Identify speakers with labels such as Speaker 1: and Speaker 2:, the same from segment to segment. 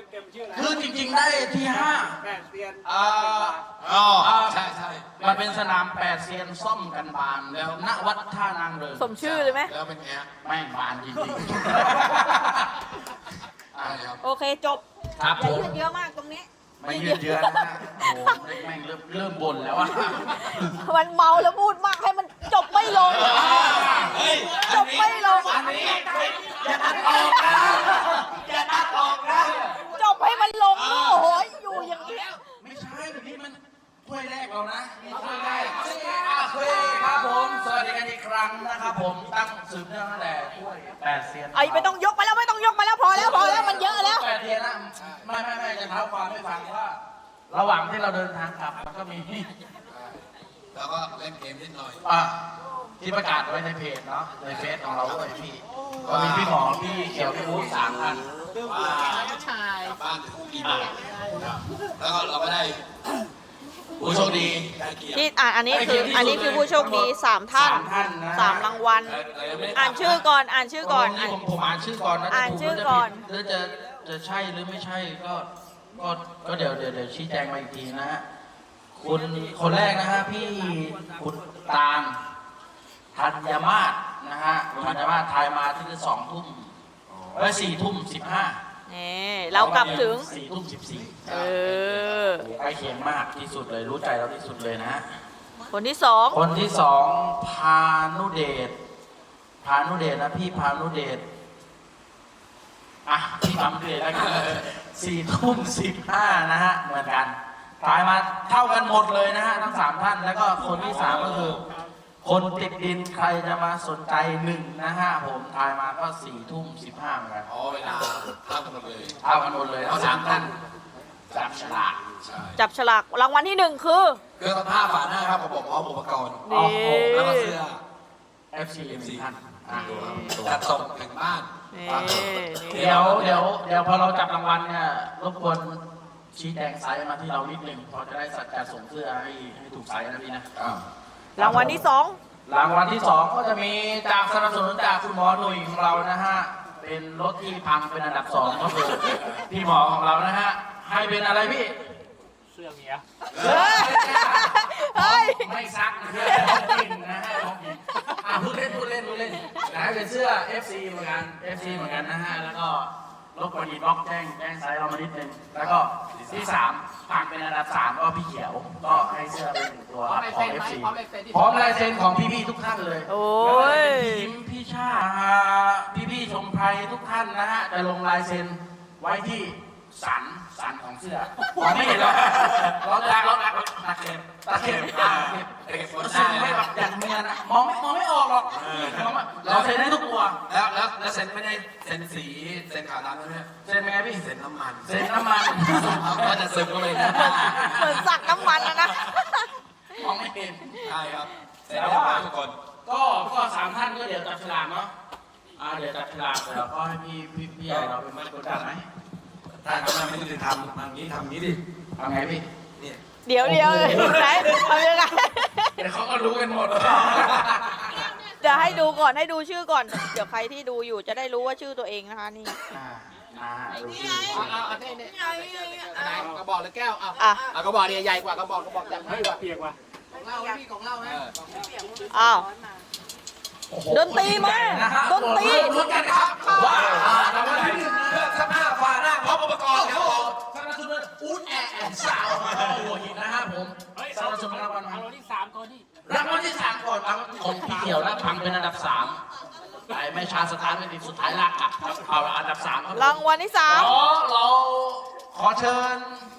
Speaker 1: เต็มๆชื่ออะไร
Speaker 2: คือจริงๆได้ที่5
Speaker 1: 8 เซียน
Speaker 3: ใช่ใช่
Speaker 2: มันเป็นสนาม8 เซียนซ่อมกันบานแล้วณวัดท่านางเริง
Speaker 4: สมชื่อเลยไหม
Speaker 3: แล้วเป็นไงฮะ
Speaker 2: แม่งบานจริง
Speaker 3: ใช่ครับ
Speaker 4: โอเคจบ
Speaker 2: ๆครับ
Speaker 4: อ
Speaker 2: ผ
Speaker 4: ย่าม ยืดเยอะมากตรงนี้
Speaker 2: ไม่ยืดเยื้อนะฮะโอ้โหแม่งเริ่มบ่นแล้วอะ
Speaker 4: มันเมาแล้วพูดมากให้มันจบไม่ลง จบไม่ลง
Speaker 2: อย่าตัดออกนะอย่าตัดออกนะ
Speaker 4: จบให้มันลงโอ้โหอยู่อย่างนี้
Speaker 2: ไม่ใช่แบบนี้มันถ้วยแรกเรานะนี่ถ้วยแรกโอเคครับผมสวัสดีกันอีกครั้งนะครับผมตั้งสืบเนื่องตั้งแต่ถ้วย8 เซียน
Speaker 4: ไอ้ไม่ต้องยกไปแล้วไม่ต้องยกไปแล้วพอแล้วมันเยอะแล้ว
Speaker 2: 8 เซียนนะไม่จะเท้าความให้ฟังว่า ระหว่างที่เราเดินทางกลับมันก็มี
Speaker 3: แล้วก็เล่นเกมนิดหน่อย
Speaker 2: ที่ประกาศไว้ในเพจเนาะในเฟซของเราด้วยพี่ก็มีพี่หมอพี่เขียวพี่บู๊3 ท่าน
Speaker 3: ว่ากลับบ้านถึงกี่โมงครับแล้วก็เราก็ได้
Speaker 2: ผู้โชคดี
Speaker 3: ได้เกียรติ
Speaker 4: ที่อันนี้คือผู้โชคดี3 ท่าน
Speaker 2: 3 ท่านนะ
Speaker 4: 3 รางวัลอ่านชื่อก่อนอ่านชื่อก่อน
Speaker 2: ผมอ่านชื่อก่อนนะ
Speaker 4: อ่านชื่อก่อน
Speaker 2: หรือจะใช่หรือไม่ใช่ก็เดี๋ยวชี้แจงมาอีกทีนะฮะคุณคนแรกนะฮะพี่คุณตาลธัญมาศนะฮะธัญมาศทายมาที่2 ทุ่ม4 ทุ่ม 15
Speaker 4: นี่เรากลับถึง
Speaker 2: 4 ทุ่ม 14
Speaker 4: เออ
Speaker 2: ใกล้เคียงมากที่สุดเลยรู้ใจเราที่สุดเลยนะฮะ
Speaker 4: คนที่
Speaker 2: คนที่2พานุเดชนะพี่พานุเดชพี่พานุเดชแล้วกัน4 ทุ่ม 15 นะฮะเหมือนกันทายมาเท่ากันหมดเลยนะฮะทั้ง3 ท่านแล้วก็คนที่3ก็คือคนติดดินใครจะมาสนใจ1นะฮะผมทายมาก็4 ทุ่ม 15เหมือนกัน
Speaker 3: อ๋อเวลาเท่ากันหมดเลย
Speaker 2: เท่ากันหมดเลยทั้ง3 ท่านจับฉลาก
Speaker 3: ใช่
Speaker 4: 2จับฉลากรางวัลที่ 1 คือ
Speaker 3: เครื่องซักผ้าฝาหน้าครับผมบอกพร้อมอุปกรณ์
Speaker 4: นี่
Speaker 3: แล้วก็เสื้อ
Speaker 2: FC ท่าน
Speaker 3: จัดส่งถึงบ้าน
Speaker 4: นี่
Speaker 2: เดี๋ยวพอเราจับรางวัลเนี่ยรบกวนชี้แจงไซส์มาที่เรานิดนึงพอจะได้จัดส่งเสื้อให้ถูกไซส์นะพี่นะ
Speaker 4: รางวัลที่
Speaker 2: รางวัลที่ 2 ก็จะมีจากสนับสนุนจากคุณหมอหนุ่ยของเรานะฮะเป็นรถที่พังเป็นอันดับ2ก็คือพี่หมอของเรานะฮะให้เป็นอะไรพี่
Speaker 1: เสื้อเมีย
Speaker 4: 2เฮ้ย
Speaker 2: ไม่ซักเพื่อของกินนะฮะของกินพูดเล่นนะเป็นเสื้อ FC เหมือนกัน FC เหมือนกันนะฮะแล้วก็รบกวนอินบ็อกซ์แจ้งไซส์เรามานิดนึงแล้วก็ที่3ฝากเป็นอันดับ3ก็พี่เขียวก็ให้เสื้อเป็น1 ตัวของ FC พร้อมลายเซ็นของพี่ๆทุกท่านเลย
Speaker 4: โอ้ย
Speaker 2: พี่ยิ้มพี่ชาพี่ชมไพรทุกท่านนะฮะจะลงลายเซ็นไว้ที่สันของเสื้อมองไม่เห็นหรอกเราตะเข็บมันซึมไม่แบบอย่างเมียนะมองไม่ออกหรอกเราเซ็นได้ทุกตัว
Speaker 3: แล้วเซ็นไม่ได้เซ็นสีเซ็นขาวดำใช่ไหม
Speaker 2: เซ็นเป็นไงพี่
Speaker 3: เซ็นน้ำมัน
Speaker 2: เซ็นน้ำมัน
Speaker 3: ก็จะซึมก็เลย
Speaker 4: เหมือนสักน้ำมันนะ
Speaker 2: มองไม่เห็น
Speaker 3: ใช่ครับเซ็นได้ทุกคน
Speaker 2: ก็3 ท่านก็เดี๋ยวจับฉลากเนาะเดี๋ยวจับฉลากเดี๋ยวก็ให้พี่ใหญ่เราเป็นมัดกดดันไหม
Speaker 3: ถ้าทำไม่ได้ทำอย่างนี้ทำอย่างนี้ดิ
Speaker 2: ทำไงพี่
Speaker 3: เนี่ย
Speaker 4: เดี๋ยวไหนทำยังไง
Speaker 2: เดี๋ยวเขาก็รู้กันหมด
Speaker 4: เดี๋ยวให้ดูก่อนให้ดูชื่อก่อน เดี๋ยวใครที่ดูอยู่จะได้รู้ว่าชื่อตัวเองนะคะนี่
Speaker 2: ดูชื่อ
Speaker 1: เอาไหนกระบอกหรือแก้วเอา
Speaker 4: อ่ะ
Speaker 1: เอากระบอกเนี่ยใหญ่กว่ากระบอกใหญ่ให้เปียกว่ะของเราพี่ของเราไหม
Speaker 4: อ้าวดนตรีมาดนตรี
Speaker 2: ลุ้นกันครับว้าวรางวัลที่1เครื่องซักผ้าฝาหน้าพร้อมอุปกรณ์ครับผมสนับสนุนอู๊ดแอร์สาวหัวหินนะครับผมสนับสนุนรางวัล
Speaker 1: เอาเราที่3ก่อนดิ
Speaker 2: รางวัลที่3ก่อนรางวัลของพี่เขียวนะพังเป็นอันดับ3ไอ้ไม่ชาสถานไม่ติดสุดท้ายลากกลับเอาอันดับ3ครับ
Speaker 4: รางวัลที่
Speaker 2: เราขอเชิญ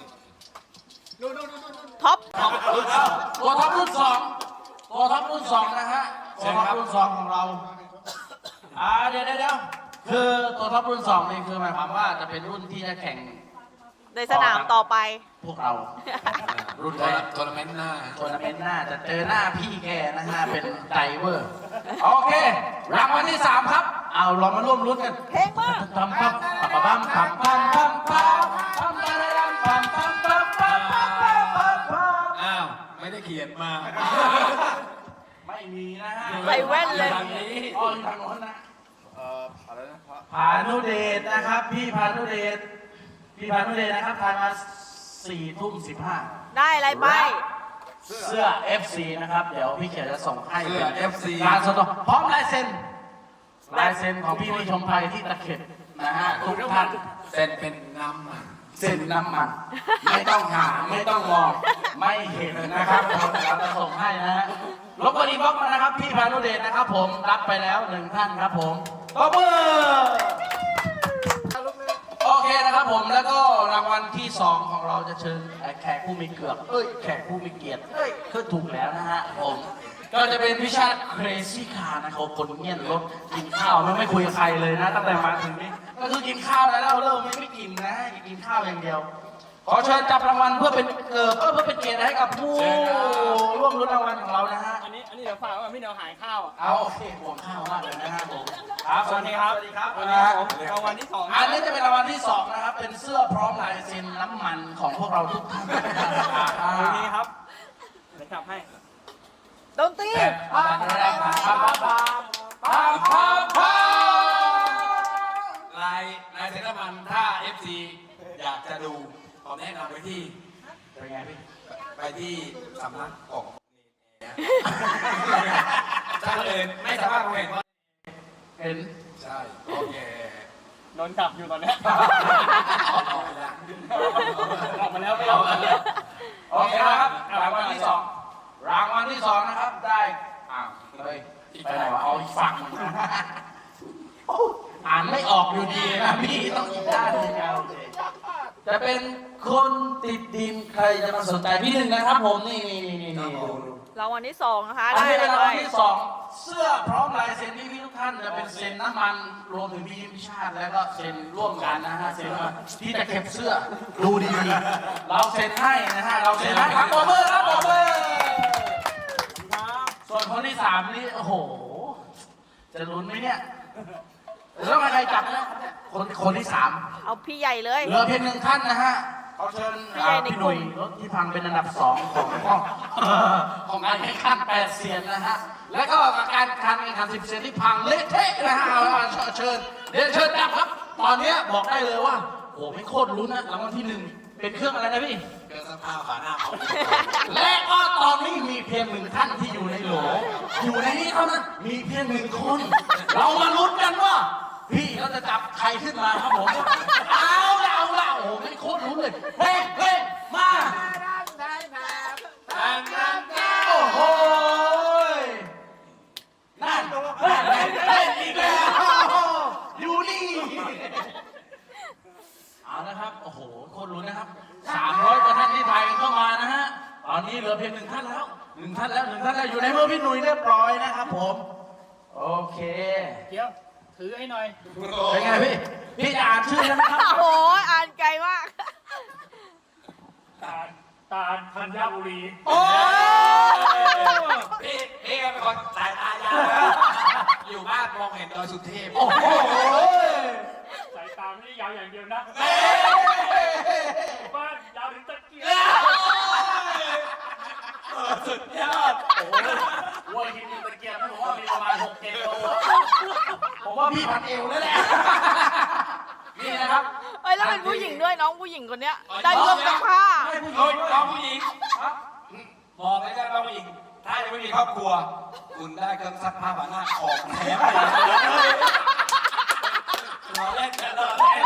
Speaker 4: 3ท็อป
Speaker 2: ตัวท็อปรุ่น2นะฮะตัวท็อปรุ่น2ของเราเดี๋ยวคือตัวท็อปรุ่น2นี่คือหมายความว่าจะเป็นรุ่นที่จะแข่ง
Speaker 4: ในสนามต่อไป
Speaker 2: พวกเรา รุ่นแรก
Speaker 3: ทัวร์นาเมนต์หน้า
Speaker 2: ทัวร์นาเมนต์หน้าจะเจอหน้าพี่แกนะฮะเป็นไดเวอร์โอเครางวัลที่3ครับเอาเรามาร่วมลุ้นกัน
Speaker 4: เพลงมาก
Speaker 2: ปั๊มปั๊มปั๊มปั๊มปั๊มปั๊มปั๊มปั๊มปั๊มปั๊มปั๊มปั๊มปั๊มปั๊มปั๊มปั๊ม
Speaker 3: อ้าวไม่ได้เขียนมา
Speaker 2: ไม่มีนะฮะ
Speaker 4: ใส่แว่นเลย
Speaker 2: ทางนี้อ้อทางโน้นนะ
Speaker 3: อะไรนะ
Speaker 2: พานุเดชนะครับพี่พานุเดชพี่พานุเดชนะครับทายมา4:15
Speaker 4: ได้อะไรไป
Speaker 2: เสื้อ FC นะครับเดี๋ยวพี่เขียนจะส่งให้
Speaker 3: เสื้อ FC
Speaker 2: การสดพร้อมลายเซ็นของพี่ชมภัยที่ตะเข็บนะฮะทุกท่าน
Speaker 3: เส้นเป็นน้ำมัน
Speaker 2: เซ็นน้ำมัน ไม่ต้องหาไม่ต้องมองไม่เห็นนะครับเราจะส่งให้นะฮะรบกวนอินบ็อกซ์มานะครับพี่พานุเดชนะครับผมรับไปแล้ว1ท่านครับผมตบมือโอเคนะครับผมแล้วก็รางวัลที่2ของเราจะเชิญแขกผู้มีเกียรติแขกผู้มีเกียรติคือถูกแล้วนะฮะผมก็จะเป็นวิชา Crazy Car นะครับคนเงียบรถกินข้าวไม่คุยกับใครเลยนะตั้งแต่มาถึงนี้ก็คือกินข้าวแล้วเริ่มไม่กินนะกินข้าวอย่างเดียวขอเชิญจับรางวัลเพื่อเป็นเพื่อเป็นเกียรติให้กับผู้ร่วมรุ้นรางวัลของเรานะฮะ
Speaker 1: อันนี้เดี๋ยวฝากว่าพี่เดี๋ยวหายข้าวอ่ะ
Speaker 2: เอาโอเคห่วงข้าวมากเลยนะฮะผมครับสวัสดีครับ
Speaker 1: สวัสดีครับวันนี้ผมรางวัลที่2
Speaker 2: อันนี้จะเป็นรางวัลที่2นะครับเป็นเสื้อพร้อมลายเซ็นน้ำมันของพวกเราทุกท่าน
Speaker 1: วันนี้ครับเดี๋ยวจับให้
Speaker 4: ดนตรี
Speaker 3: ลายเซ็นน้ำมันถ้า FC อยากจะดูผมแนะนำไปที่
Speaker 2: เป็นไงพี่
Speaker 3: ไปที่สำนักของถ้าเลยไม่สามารถมองเห็นว่า
Speaker 2: เห็น
Speaker 3: ใช่โอเค
Speaker 1: โดนจับอยู่ตอนนี้
Speaker 3: เอาไปละ
Speaker 1: ออกมาแล้วไม่เอาแล้ว
Speaker 2: โอเคนะครับรางวัลที่2รางวัลที่2นะครับได้เฮ้ยไปไหนวะเอาอีกฝั่งอ่านไม่ออกอยู่ดีนะพี่ต้องอีกด้านหนึงเอาจะเป็นคนติดดินใครจะมาสนใจพี่หนึ่งนะครับผมนี่
Speaker 4: รางวัลที่2นะคะ
Speaker 2: อัน
Speaker 4: ได้
Speaker 2: นี้
Speaker 4: อะ
Speaker 2: เป็น
Speaker 4: ไร
Speaker 2: ราง
Speaker 4: ไป
Speaker 2: วัลที่2เสื้อพร้อมลายเซ็นพี่ทุกท่านจะเป็นเซ็นน้ำมันรวมถึงพี่ยิ้มชาติแล้วก็เซ็นร่วมกันนะฮะเซ็นมาที่จะเก็บเสื้อดูดีๆเราเซ็นให้นะฮะเราเซ็นให้ครับปรบมือครับปรบมือส่วนคนที่3นี่โอ้โหจะลุ้นไหมเนี่ยแล้วใครจับนะคนที่3
Speaker 4: เอาพี่ใหญ่เลย
Speaker 2: เหลือเพียง1ท่านนะฮะเขาเชิญพี่หนุ่ยรถที่พังเป็นอันดับ2ของการแข่งขัน8เซียนนะฮะแล้วก็การแข่งขัน10เซียนที่พังเละเทะนะฮะเชิญเดี๋ยวเชิญจับครับตอนนี้บอกได้เลยว่าโอ้ไม่โคตรลุ้นนะรางวัลที่1เป็นเครื่องอะไรนะพี่
Speaker 3: เกินสภาพฝาหน้าเขา
Speaker 2: และก็ตอนนี้มีเพียง1ท่านที่อยู่ในโหลอยู่ในนี้เท่านั้นมีเพียง1คนเรามาลุ้นกันว่าพี่เขาจะจับใครขึ้นมาครับผมเอาละโอ้ไม่โคตรลุ้นเลยเฮ้มาโอ้โหนั่นเล่นอีกแล้วอยู่นี่เอานะครับโอ้โหโคตรลุ้นนะครับ300กว่าท่านที่ถ่ายเข้ามานะฮะตอนนี้เหลือเพียง1ท่านแล้วอยู่ในมือพี่หนุ่ยเรียบร้อยนะครับผมโอเค
Speaker 1: เดี๋ยวถือให้หน่อย
Speaker 2: เป็นไงพี่จะอ่านชื่อแล้วนะครับ
Speaker 4: โอ้ยอ่านไกลมาก
Speaker 1: ตาลธัญบุรี
Speaker 2: โอ้
Speaker 3: พี่เป็นคนสายตายาวอยู่บ้านมองเห็นดอยสุเทพ
Speaker 2: โอ้โห
Speaker 1: สายตาไม่ได้ยาวอย่างเดียวนะบ้านยาวถึงตะเกียบ
Speaker 2: สุดยอดโอ้โหวัวหินตะเกียบผมว่ามีประมาณ6-7 โลผมว่าพี่พันเอวแล้วแหละนี่นะครับ
Speaker 4: เอ้ยแล้วเป็นผู้หญิงด้วยน้องผู้หญิงคนเนี้ยได้เครื่องซักผ้า
Speaker 3: โอ้ยน้องผู้หญิงบอกเลยนะน้องผู้หญิงถ้ายังไม่มีครอบครัว คุณได้เครื่องซักผ้าฝาหน้าของแถมเราเล่นกันเราเล่น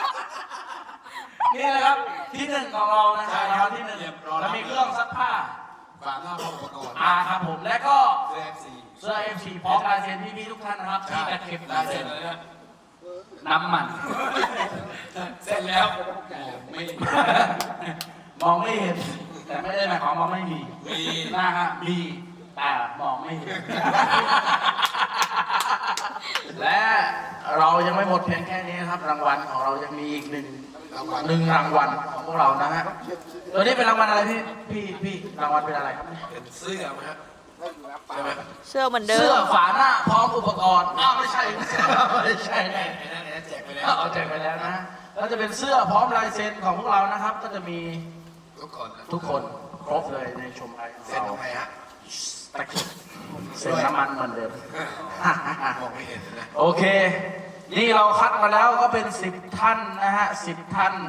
Speaker 2: นี่นะครับที่1ของเรานะครับรางวัลที่1แล้วมีเครื่องซักผ้า
Speaker 3: ฝาหน้าพร้อมอุปกรณ์
Speaker 2: ครับผมและก็
Speaker 3: เสื้อ FC
Speaker 2: เสื้อ MC พร้อมลายเซ็นพี่ทุกท่านนะครับที่จะเก็บ
Speaker 3: ลายเซ็นเลยนะ
Speaker 2: น้ำมัน
Speaker 3: เสร็จแล้วไม่
Speaker 2: มองไม่เห็นแต่ไม่ได้หมายความว่าไม่มี
Speaker 3: มี
Speaker 2: นะฮะมีแต่มองไม่เห็น และเรายังไม่หมดเพียงแค่นี้นะครับรางวัลของเรายังมีอีกหนึ่งรางวัลของพวกเรานะฮะตัวนี้เป็นรางวัลอะไรพี่รางวัลเป็นอะไรครับ
Speaker 3: เป็นเสื้อไหมครับใช่ไหม
Speaker 4: เสื้อเหมือนเดิ
Speaker 2: เสื้อ
Speaker 4: ม
Speaker 2: ฝาหน้าพร้อมอุปกรณ์ไม่ใช่
Speaker 3: ไอ้นั่นแจกไปแล้ว
Speaker 2: เอาแจกไปแล้วนะแล้วจะเป็นเสื้อพร้อมลายเซ็นของพวกเรานะครับ ก็จะมี ทุกคนครบเลยในชมรายของ
Speaker 3: เซ็น
Speaker 2: เรา
Speaker 3: ตรงไหนฮะ
Speaker 2: ตะเกียบเซ็นน้ำมันเหมือนเดิม
Speaker 3: มองไม่เห็นนะ
Speaker 2: โอเค นี่เราคัดมาแล้วก็เป็น10ท่านนะฮะ10ท่าน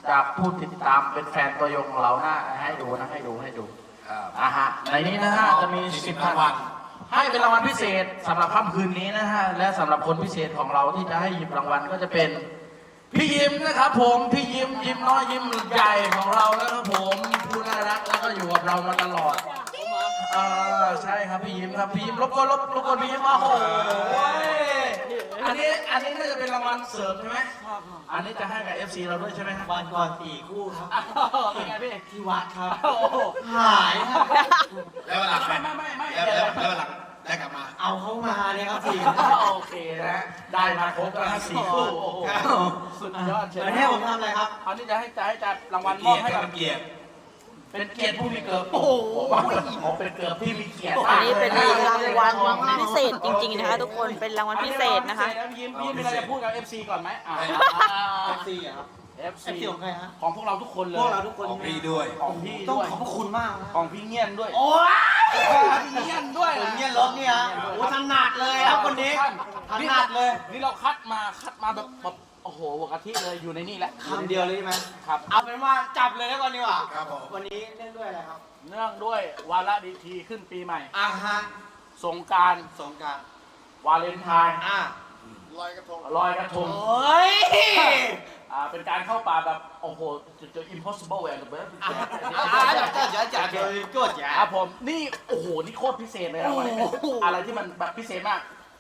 Speaker 2: จากผู้ติดตามเป็นแฟนตัวยงของเรานะให้ดูในนี้นะฮะจะมี10รางวัลให้เป็นรางวัลพิเศษสำหรับค่ำคืนนี้นะฮะและสำหรับคนพิเศษของเราที่จะให้หยิบรางวัลก็จะเป็นพี่ยิ้มนะครับผมพี่ยิ้มน้อยยิ้มใหญ่ของเราแล้วครับผมผู้น่ารักแล้วก็อยู่กับเรามาตลอดใช่ครับพี่ยิ้มครับพี่ยิ้มรบกวนพี่ยิ้มโอ้โหอันนี้น่าจะเป็นรางวัลเสริมใช่ไหมอันนี้จะให้กับ FC เราด้วยใช่ไหมครับ
Speaker 1: วันก่อน4 คู่ครับ
Speaker 2: เป็นไงพี่
Speaker 1: ที่วัดครับ
Speaker 2: โอ้โห
Speaker 1: หายครับ
Speaker 3: แล้ววันหลัง
Speaker 2: ไม่
Speaker 3: แล้ววันหลังได้กลับมา
Speaker 1: เอาเข้ามาเนี่ยครับ4
Speaker 2: โอเคนะได้มาครบแล้วนะ4 คู่โอ้โหสุดยอดเชียว
Speaker 1: แล้วให้ผมทำอะไรครับ
Speaker 2: อันนี้จะให้จัดรางวัลมอบให้กับ
Speaker 3: เกียรติ
Speaker 2: เป็นเกียรติผู้มีเกียรติโอ้โหเป็นเกียรติที่มีเกียรติ
Speaker 4: อันนี้เป็นรางวัลพิเศษจริงๆนะคะทุกคนเป็นรางวัลพิเศษนะคะ
Speaker 2: ยิ้มมีอะไรจะพูดกับ FC ก่อนไหม
Speaker 1: FC อะครับ
Speaker 2: FC
Speaker 1: FC ของใครฮะ
Speaker 2: ของพวกเราทุกคนเลย
Speaker 1: พวกเราทุกคน
Speaker 3: ของพี่ด้วย
Speaker 2: ของพี่
Speaker 1: ต้อง
Speaker 2: ด้วย
Speaker 1: ขอบพระคุณมากนะ
Speaker 2: ของพี่เงียนด้วย
Speaker 1: โอ้ย
Speaker 2: พี่เงียนด้วย
Speaker 1: ผมเนี่ยรถเนี่ยโอ้ถนัดเลยครับคนนี้ถนัดเลย
Speaker 2: นี่เราคัดมาแบบโอ้โหหัวกะทิเลยอยู่ในนี่แหละ
Speaker 1: คำเดียวเลยใช่ไหม
Speaker 2: ครับ
Speaker 1: เอาเป็นว่าจับเลยแล้วก่อนดีกว่า
Speaker 3: ครับผม
Speaker 1: วันนี้เล่นด้วยอะไรครับ
Speaker 2: เนื่องด้วยวาระดีทีขึ้นปีใหม่
Speaker 1: ฮะ
Speaker 2: สงกรานต์
Speaker 1: สงกรานต์
Speaker 2: วาเลนไทน์ ลอยกระทง
Speaker 1: โอ้ย
Speaker 2: เป็นการเข้าป่าแบบโอ้โหจะ impossible and the best
Speaker 1: จัดเลยกดอย่า
Speaker 2: ครับผมนี่โอ้โหนี่โคตรพิเศษเลยนะวันนี้
Speaker 1: โอ้โห
Speaker 2: อะไรที่มันแบบพิเศษมาก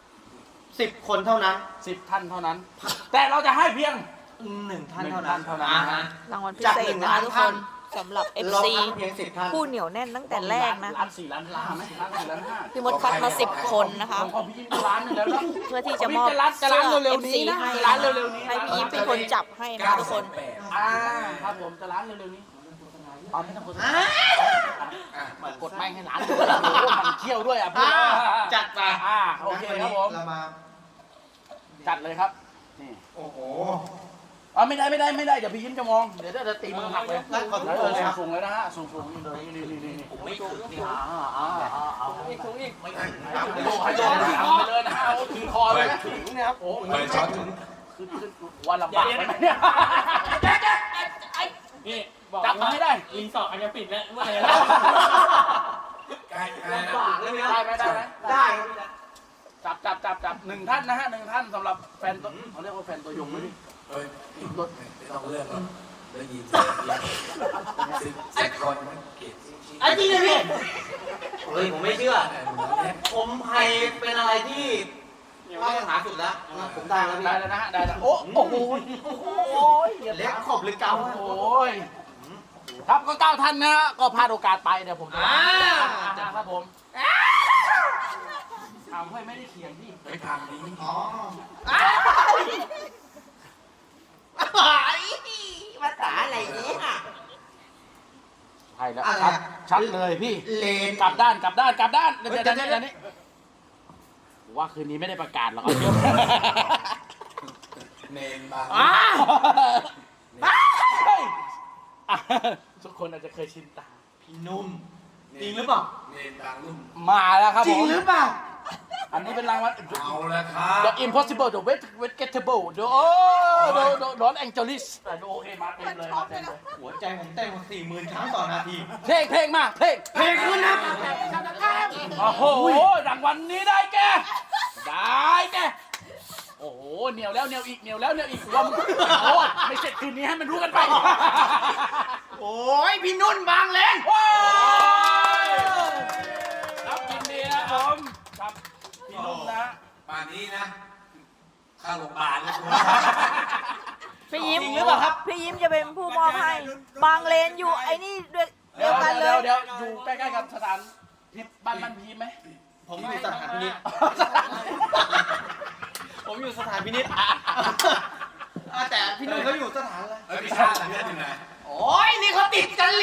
Speaker 1: 10 คนเท่านั้น
Speaker 2: 10 ท่านเท่านั้น แต่เราจะให้เพียง
Speaker 1: 1 ท่านเท่านั้น
Speaker 4: รางวัลพิเศษนะคะทุกคนสำหรับ
Speaker 1: เรา
Speaker 4: FC
Speaker 1: คัดเพียง10 ท่าน
Speaker 4: ผู้เหนียวแน่นตั้งแต่แรกนะ
Speaker 2: ล้าน4 ล้าน5ไหมล้าน4 ล้าน5
Speaker 4: พี่มดคัดมา10 คนนะคะ
Speaker 2: ของพี่ยิ้มก็ล้านหนึงแล้วนะ
Speaker 4: เพื่อที่จะมอบ
Speaker 2: จะล้าน
Speaker 4: เสื้อ
Speaker 2: เร็วๆ
Speaker 4: FC
Speaker 2: นี้นะ
Speaker 4: ให้
Speaker 2: ล้านเร็วๆนี้
Speaker 4: ให้พี่ยิ้มเป็นคนจับให้นะคะทุกคน
Speaker 2: ครับผมจะล้านเร็วๆนี้เอาไม่ต้องกดกดไม่ให้ล้านมันเคี่ยวด้วยอ่ะพี่
Speaker 1: จัดไป
Speaker 2: โอเคครับผม
Speaker 1: เรามา
Speaker 2: จัดเลยครับนี่
Speaker 1: โอ้โห
Speaker 2: ไม่ได้เดี๋ยวพี่ยิ้มจะมองเดี๋ยวจะตีมือหักเลย
Speaker 1: งั้นขอทุกคนเลยครับ
Speaker 2: สูงเลยนะฮะสูงนี่เลยนี่ผมไม่ถูกนี่เอาให้โดนไปเลยนะฮะโอ้ถือคอเลยนะถือนะครับโอ้
Speaker 3: เปิดช็อตถึง
Speaker 2: คือวันลำบากไหมเนี่ยนี่จับมาให้ได้
Speaker 5: อินสอบอาจจะปิดแล้วเมื่อไหร่
Speaker 3: ใกล้
Speaker 1: ฝากเลยนะ
Speaker 2: ได้ไหม
Speaker 1: ได้
Speaker 2: จับหนึ่งท่านนะฮะ1 ท่านสำหรับแฟนตัวเขาเรียกว่าแฟนตัวยงไหมพี่
Speaker 3: เฮ้ยรถไม่ต้องเลือกหรอกได้ยิน10 คนมันเกียรติ
Speaker 1: ไอ้จริงเลยพี่เฮ้ยผมไม่เชื่อ ผมไฮเป็นอะไรที่มาตรฐานสุดแล้วผมได้แล้วพี่
Speaker 2: ได้แล้วนะฮะได้แล้วโอ้โห
Speaker 1: เล็กขอบหรือเกา
Speaker 2: โอ้ยครับก็9 ท่านนะก็พลาดโอกาสไปเดี๋ยวผมจะครับผมเอาเฮ้ยไม่ได้เขียนพี่
Speaker 3: ไปทางนี้
Speaker 1: อ๋อ ภาษาอะไรเนี่ย
Speaker 2: ใช่แล้วชัดเลยพี่
Speaker 1: เลน
Speaker 2: กลับด้านเดี๋ยวนี้ว่าคืนนี้ไม่ได้ประกาศหรอก
Speaker 3: เนนบาง
Speaker 2: ทุกคนอาจจะเคยชินตา
Speaker 1: พี่นุ่มจริงหรือเปล่า
Speaker 3: เนนบางรุ่ม
Speaker 2: มาแล้วครับ
Speaker 1: จ
Speaker 2: ผ
Speaker 1: ริง
Speaker 2: ม
Speaker 1: หรือเปล่า
Speaker 2: อันนี้เป็นรางวัล
Speaker 3: เอาละครับ
Speaker 2: The Impossible The Vegetable The Los Angeles โอเคมาเต็มเลย
Speaker 1: หัวใจผมเต้น40,000 ครั้งต่อนาที
Speaker 2: เพลงมาเพลง
Speaker 1: เพลงขึ้นนะ
Speaker 2: โอ้โหรางวัลนี้ได้แกโอ้โหเหนียวแล้วเหนียวอีกว่ามึงโอ้ไม่เสร็จคืนนี้ให้มันรู้กันไป
Speaker 1: โอ้ยพี่นุ่นบางเลน
Speaker 2: ว้าวครับยินดีนะผมครับพี่นุ่มนะ
Speaker 3: ป่านนี้นะเข้าโรงพยาบาลแล้วคุณ
Speaker 4: พี่ยิ้มพี่ยิ้มจะเป็นผู้มอบให้ บางเลนอยู่ไอ้นี่ด้วยเดียวกันเลย
Speaker 2: เดี๋ยวอยู่ใกล้ๆกับสถานพิษบ้านพีไหม
Speaker 1: ผมอยู่สถานพินิจผมอยู่สถานพินิจแต่พี่นุ่นเขาอยู่สถานอะไร
Speaker 3: พี่ชาติเลือดอยู่ไหน
Speaker 1: โอ้ยนี่เขาติดกันลี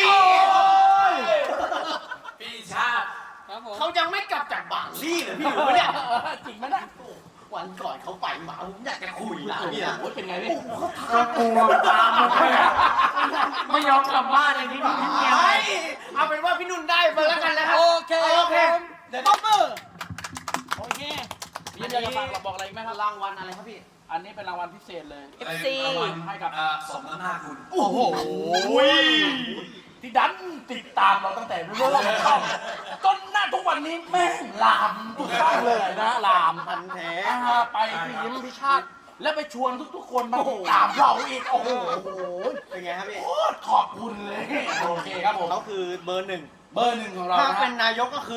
Speaker 3: พี่ชาติ
Speaker 1: เขายังไม่กลับจากบางลี่เลยพี่รู้ปะเนี่ย
Speaker 2: จริงไหมนะ
Speaker 1: วันก่อนเขาไปมาผมอยากจะคุยนะพี่นะ
Speaker 2: โอ้ยเป็นไงพี่
Speaker 1: ก็กลัวตามมาไม่ยอมกลับบ้านเลยที่นี่เอาเป็นว่าพี่นุ่นได้ไปแล้วกันนะครับ
Speaker 2: โอเค
Speaker 1: เดี๋ยวต๊อปเปอร์
Speaker 2: โอเคพี่อยากจะฝากบอกอะไรอีกไหมครับ
Speaker 1: รางวัลอะไรครับพี่
Speaker 2: อันนี้เป็นรางวัลพิเศษเลย
Speaker 4: FC
Speaker 3: รางวัลให้กับสมน้ำหน้าคุณ
Speaker 2: โอ้โหที่ดันติดตามเราตั้งแต่เริ่มช่องจนหน้าทุกวันนี้แม่งลามทุกช่องเลยนะลาม
Speaker 1: พันแท้
Speaker 2: ไปพี่ยิ้มพี่ชาติแล้วไปชวนทุกๆคนมาติดตามเราอีกโอ้โห
Speaker 1: เป็นไงครับพี่
Speaker 2: โคตรขอบคุณเลยโอเคครับผม
Speaker 1: เขาคือเบอร์หนึ่ง
Speaker 2: เบอร์หนึ่งของเรา
Speaker 1: ถ้า
Speaker 2: นะ
Speaker 1: เป็นนายกก็คือ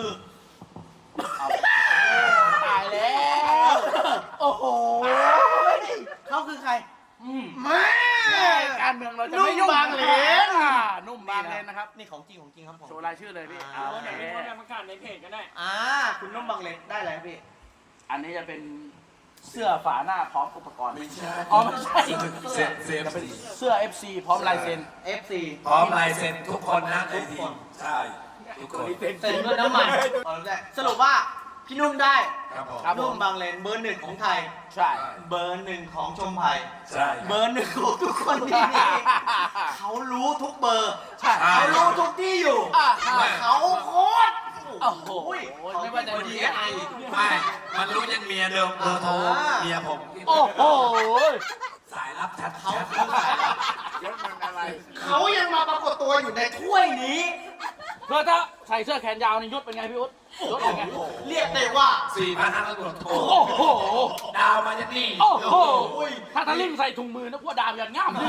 Speaker 2: ตายแล้วโอ้โห
Speaker 1: เขาคือใคร
Speaker 2: แม่การเมืองเราจะไม่ยุ่งบางเลนนุ่มบางเลนนะครับ
Speaker 1: นี่ของจริงของจริงครับผม
Speaker 2: โชว์รายชื่อเลยพี่
Speaker 1: อ่า
Speaker 2: โอเค
Speaker 5: เดี๋ยวมีคนประกาศในเพจก็ได้
Speaker 1: คุณนุ่มบางเลนได้อะไรครับพี่
Speaker 2: อันนี้จะเป็นเสื้อฝาหน้าพร้อมอุปกรณ์
Speaker 3: ไม่ใช่
Speaker 2: อ๋อไม่ใช่
Speaker 3: เซฟ
Speaker 2: เสื้อ FC พร้อมลายเซ็น
Speaker 1: FC
Speaker 3: พร้อมลายเซ็นทุกคนนะในทีมใช่ทุกคน
Speaker 1: เซ็นด้วยน้ำมันสรุปว่าพี่นุ่มได้
Speaker 3: ครับผม
Speaker 2: ครับ
Speaker 1: นุ่มบางเลนเบอร์หนึ่งของไทย
Speaker 2: ใช่
Speaker 1: เบอร์หนึ่งของชมไผ่
Speaker 3: ใช่
Speaker 1: เบอร์หนึ่งของทุกคนที่นี่เขารู้ทุกเบอร์
Speaker 2: ใช่
Speaker 1: เขารู้ทุกที่อยู่ เขาโคตร
Speaker 2: โอ้โห
Speaker 1: เขา
Speaker 2: ไม่ว่าจะดีไอ
Speaker 3: ไม่มันรู้ยังเมียเดิมเบอร์โทรเมียผม
Speaker 2: โอ้โห
Speaker 3: สายลับชัด
Speaker 1: เขา
Speaker 2: ยศมันอะไร
Speaker 1: เขายังมาปรากฏตัวอยู่ในถ้วยนี้
Speaker 2: เพื่อถ้าใส่เสื้อแขนยาวนี่ยศเป็นไงพี่อุ๊ดยศเป็นไง
Speaker 1: เรียกได้ว่า
Speaker 3: 4,500 โทร
Speaker 2: โอ้โห
Speaker 3: ดาวมาจากนี่
Speaker 2: โอ้โห
Speaker 1: อุ้ย
Speaker 2: ถ้าทะลิ่งใส่ถุงมือนะพวกดาวอย่างง่าม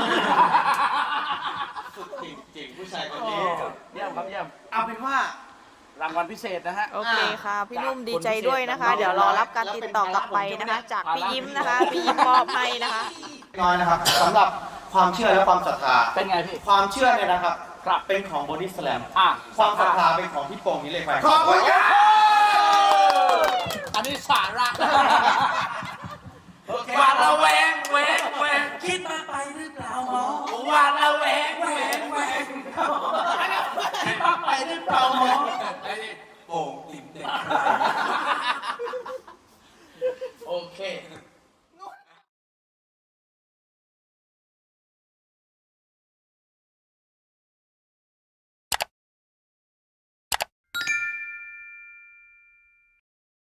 Speaker 1: สุดจริงๆผู้ชายคน
Speaker 2: โอ้
Speaker 1: นี้
Speaker 2: เยี่ยมครับเยี่ยม
Speaker 1: เอาเป็นว่าร
Speaker 2: างวัลพิเศษนะฮะ
Speaker 4: โอเคค่ะ พี่นุ่มดีใจด้วยนะคะ เดี๋ยวรอรับการติดต่อกลับไปนะคะ จากพี่ยิ้มนะคะ พี่ยิ้มมอบให้นะคะ
Speaker 1: น้อยนะครับสำหรับความเชื่อและความศรัทธา
Speaker 2: เป็นไงพี่
Speaker 1: ความเชื่อเนี่ยนะครับ
Speaker 2: ครับ
Speaker 1: เป็นของบอดี้สแลม
Speaker 2: อ่ะ
Speaker 1: ความศรัทธาเป็นของพี่โป่งนี่เลยไป
Speaker 3: ขอบคุณครับ
Speaker 2: อันนี้สาระ
Speaker 3: หวาดระแวงแวงแวงคิดมากไปหรือเปล่าหมอหวาดระแวงแวงแวงคิดมากไปหรือเปล่าหมอ